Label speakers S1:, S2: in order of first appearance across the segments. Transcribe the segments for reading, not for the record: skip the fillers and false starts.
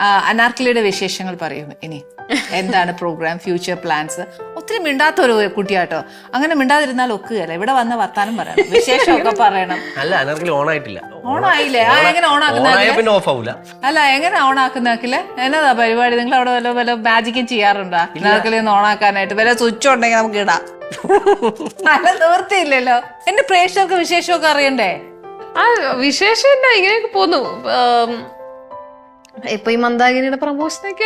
S1: അനാർക്കലിയുടെ വിശേഷങ്ങൾ പറയും ഇനി. എന്താണ് പ്രോഗ്രാം, ഫ്യൂച്ചർ പ്ലാൻസ്? ഒത്തിരി മിണ്ടാത്ത ഒരു കുട്ടിയാട്ടോ. അങ്ങനെ മിണ്ടാതിരുന്നാൽ ഒക്കുകയല്ല. ഇവിടെ വന്ന വർത്താനം പറയണം, വിശേഷമൊക്കെ പറയണം.
S2: അല്ല, അനാർക്കലി ഓണായിട്ടില്ല.
S1: ഓണായില്ലേ? എങ്ങനെ ഓണാക്കുന്ന?
S2: ഓഫ് ആവൂല.
S1: അല്ല, എങ്ങനെ ഓണാക്കുന്നാക്കില്ലേ? എന്നതാ പരിപാടി? നിങ്ങൾ അവിടെ വല്ല മാജിക്കും ചെയ്യാറുണ്ടോ അനാർക്കലി ഒന്ന് ഓണാക്കാനായിട്ട്? വല്ല സ്വിച്ച് ഉണ്ടെങ്കിൽ നമുക്ക് ഇടാം. അല്ല, നിവൃത്തിയില്ലല്ലോ. എന്റെ പ്രേക്ഷകർക്ക് വിശേഷമൊക്കെ അറിയണ്ടേ?
S3: ആ വിശേഷമില്ല, ഇങ്ങനെയൊക്കെ പോന്നു. ഇപ്പൊ ഈ മന്ദാകിനിയുടെ പ്രമോഷനൊക്കെ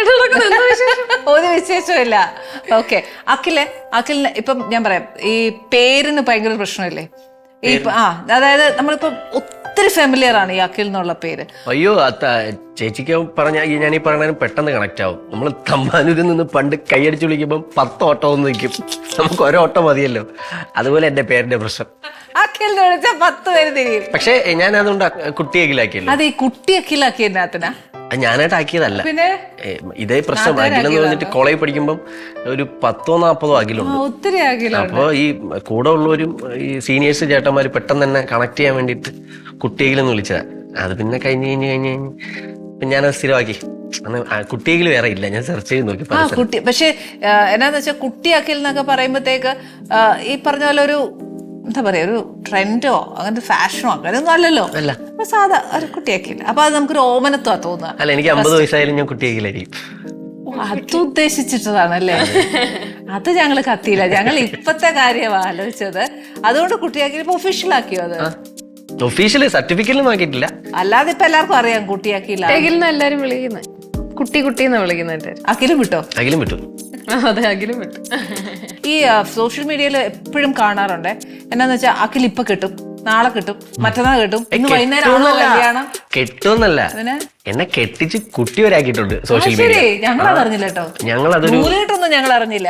S1: ഒരു വിശേഷമില്ല. ഓക്കെ, അഖിലിന് ഇപ്പം ഞാൻ പറയാം, ഈ പേരിന് ഭയങ്കര പ്രശ്നമില്ലേ? ഈ അതായത് നമ്മളിപ്പോ ഒത്തിരി ഫെമിലിയർ ആണ് ഈ അഖിൽ എന്നുള്ള പേര്.
S2: അയ്യോ, ചേച്ചിക്ക് പറഞ്ഞ ഞാൻ ഈ പറഞ്ഞാലും പെട്ടെന്ന് കണക്ട് ആവും. നമ്മൾ തമ്പാനൂരിൽ നിന്ന് പണ്ട് കൈയടിച്ച് വിളിക്കുമ്പോൾ 10 ഓട്ടം ഒന്ന് നിൽക്കും. നമുക്ക് ഒരോട്ടം മതിയല്ലോ. അതുപോലെ എന്റെ പേരിന്റെ പ്രശ്നം.
S1: അഖിലിനെ വിളിച്ചാൽ 10 പേര് തിരിയും.
S2: പക്ഷെ ഞാൻ അതുകൊണ്ട് കുട്ടി അഖിലാക്കിയല്ലോ.
S1: അത് ഈ കുട്ടി അഖിലാക്കിയതിനകത്തിനാ?
S2: ഞാനായിട്ട് ആക്കിയതല്ല.
S1: പിന്നെ
S2: ഇതേ പ്രശ്നം. അഖിലെന്ന് പറഞ്ഞിട്ട് കോളേജ് പഠിക്കുമ്പോൾ ഒരു 10-40 അഖിലുണ്ട്.
S1: ഒത്തിരി അഖിലുണ്ട്.
S2: അപ്പോൾ ഈ കൂടെ ഉള്ളവരും ഈ സീനിയേഴ്സ് ചേട്ടന്മാര് പെട്ടെന്ന് തന്നെ കണക്ട് ചെയ്യാൻ വേണ്ടിയിട്ട് കുട്ടിയെങ്കിലും വിളിച്ചതാ. അത് പിന്നെ കഴിഞ്ഞ് ഞാനത് സ്ഥിരമാക്കി. കുട്ടിയെങ്കിലും വേറെ ഇല്ല. ഞാൻ സെർച്ച് ചെയ്ത് നോക്കി.
S1: കുട്ടി പക്ഷെ എന്നാന്ന് വെച്ചാൽ കുട്ടി അഖിൽ എന്നൊക്കെ പറയുമ്പോഴത്തേക്ക് ഈ പറഞ്ഞ പോലെ ഒരു എന്താ പറയാ, ഒരു ട്രെൻഡോ അങ്ങനത്തെ ഫാഷനോ അങ്ങനെയൊന്നും അല്ലല്ലോ. സാധാ ഒരു കുട്ടിയാക്കില്ല. അപ്പൊ അത് നമുക്കൊരു ഓമനത്വ തോന്നുക.
S2: അല്ല, എനിക്ക് 50 വയസ്സായാലും ഞാൻ കുട്ടിയാക്കില്ലായിരിക്കും.
S1: അത് ഉദ്ദേശിച്ചിട്ടതാണല്ലേ? അത് ഞങ്ങള് കത്തിയില്ല. ഞങ്ങൾ ഇപ്പത്തെ കാര്യമാ ആലോചിച്ചത്. അതുകൊണ്ട് കുട്ടിയാക്കി ഒഫീഷ്യൽ ആക്കിയോ? അത്
S2: ഒഫീഷ്യല് സർട്ടിഫിക്കറ്റിലും ആക്കിയിട്ടില്ല.
S1: അല്ലാതെ ഇപ്പൊ എല്ലാവർക്കും അറിയാം കുട്ടിയാക്കിയില്ല.
S3: എല്ലാരും വിളിക്കുന്നത് കുട്ടി കുട്ടിന്ന് വിളിക്കുന്നുണ്ട്.
S1: അഖിലും വിട്ടോ?
S2: അഖിലും വിട്ടു.
S3: അതെ, അഖിലും വിട്ടു.
S1: ഈ സോഷ്യൽ മീഡിയയിൽ എപ്പോഴും കാണാറുണ്ട്. എന്നാന്ന് വെച്ചാൽ അഖിൽ ഇപ്പൊ കിട്ടും, നാളെ കിട്ടും, മറ്റന്നാൾ കിട്ടും, ഇന്ന് വൈകുന്നേരം കല്യാണം.
S2: കെട്ടുമെന്നല്ല, എന്നെ കെട്ടിച്ച് കുട്ടി വരാക്കിയിട്ടുണ്ട് സോഷ്യൽ മീഡിയ.
S1: ഞങ്ങളത് അറിഞ്ഞില്ല കേട്ടോ.
S2: ഞങ്ങളതൊരു
S1: നൂലിട്ടൊന്നും ഞങ്ങൾ അറിഞ്ഞില്ല.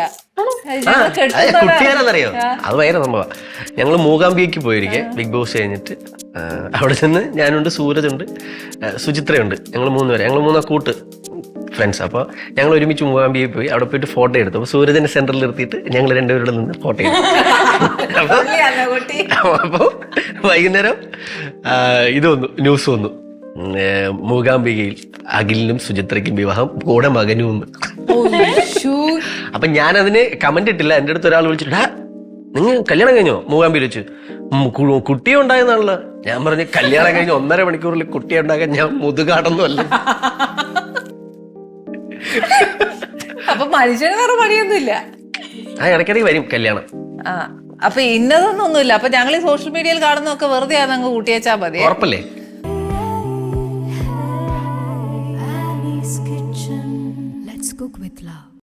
S2: കുട്ടിയാണെന്നറിയോ? അത് ഭയങ്കര സംഭവം. ഞങ്ങൾ മൂകാംബിയക്ക് പോയിരിക്കെ ബിഗ് ബോസ് കഴിഞ്ഞിട്ട് അവിടെ നിന്ന് ഞാനുണ്ട്, സൂരജുണ്ട്, സുചിത്രയുണ്ട്. ഞങ്ങൾ 3 പേര്. ഞങ്ങൾ 3 കൂട്ട് ഫ്രണ്ട്സ്. അപ്പോൾ ഞങ്ങൾ ഒരുമിച്ച് മൂകാംബിയയിൽ പോയി. അവിടെ പോയിട്ട് ഫോട്ടോ എടുത്തു. അപ്പോൾ സൂരജിന്റെ സെന്ററിൽ നിർത്തിയിട്ട് ഞങ്ങൾ 2 പേരുടെ നിന്ന് ഫോട്ടോ എടുത്തു. അപ്പോൾ വൈകുന്നേരം ഇത് വന്നു, ന്യൂസ് വന്നു, മൂകാംബികയിൽ അഖിലിനും സുചിത്രയ്ക്കും വിവാഹം, കൂടെ മകനും ഒന്ന്. അപ്പൊ ഞാനതിന് കമന്റ് ഇട്ടില്ല. എൻ്റെ അടുത്ത് ഒരാൾ വിളിച്ചിട്ട്, നിങ്ങൾ കല്യാണം കഴിഞ്ഞോ മൂകാംബിയിൽ വെച്ച്? കുട്ടിയെ ഉണ്ടായെന്നാണല്ലോ. ഞാൻ പറഞ്ഞു, കല്യാണം കഴിഞ്ഞ് 1.5 മണിക്കൂറിൽ കുട്ടിയെ ഉണ്ടാക്കാൻ ഞാൻ മുതുകാടൊന്നും അല്ല.
S1: അപ്പൊ മനുഷ്യന് വേറെ പണിയൊന്നുമില്ല.
S2: ഇടയ്ക്കിടയ്ക്ക് വരും കല്യാണം.
S1: അപ്പൊ ഇന്നതൊന്നൊന്നുമില്ല. അപ്പൊ ഞങ്ങൾ ഈ സോഷ്യൽ മീഡിയയിൽ കാണുന്നൊക്കെ വെറുതെ അങ്ങ് കൂട്ടിയേച്ചാ മതി.
S2: ഉറപ്പല്ലേ?
S4: Let's cook with love.